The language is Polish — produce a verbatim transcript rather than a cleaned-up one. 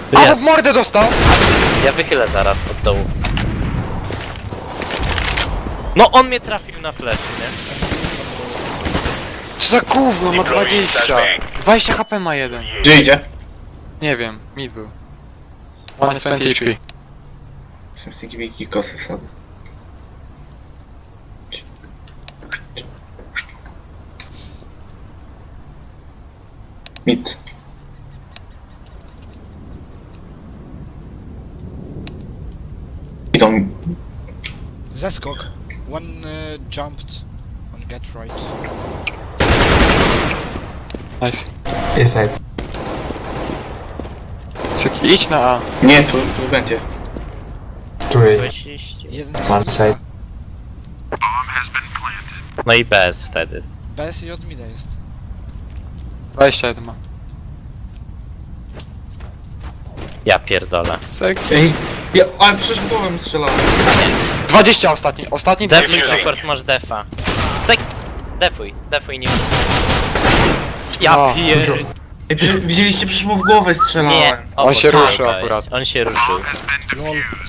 A, Jest. w mordę dostał! Ja wychylę zaraz od dołu. No on mnie trafił na flash, nie? Co za gówno, ma dwadzieścia. dwadzieścia H P ma jeden. Gdzie idzie? Nie wiem, mid był. One jest dwadzieścia H P. Jestem z takiej wielkiej kosy wsadzę. Nic. Idą. Zeskok. One uh, jumped on get right. Nice. Inside. Seki, idź na A. Nie, tu, tu będzie. Two A. Byłeś iść. Jeden One side. No i bez wtedy. bez i od mida jest. dwadzieścia jeden ma. Ja pierdolę. Seki. Ej, ja, ale przecież w głowę mi strzelałem. dwadzieścia ostatni, ostatni Defuj, dwadzieścia. Jokers, masz defa. Sek... Defuj, defuj, nie... Ja O, pier... Ej, przecież, widzieliście, przecież mu w głowę strzelałem. Nie, On się obok ruszył niego akurat. jest. On się ruszył. Lol.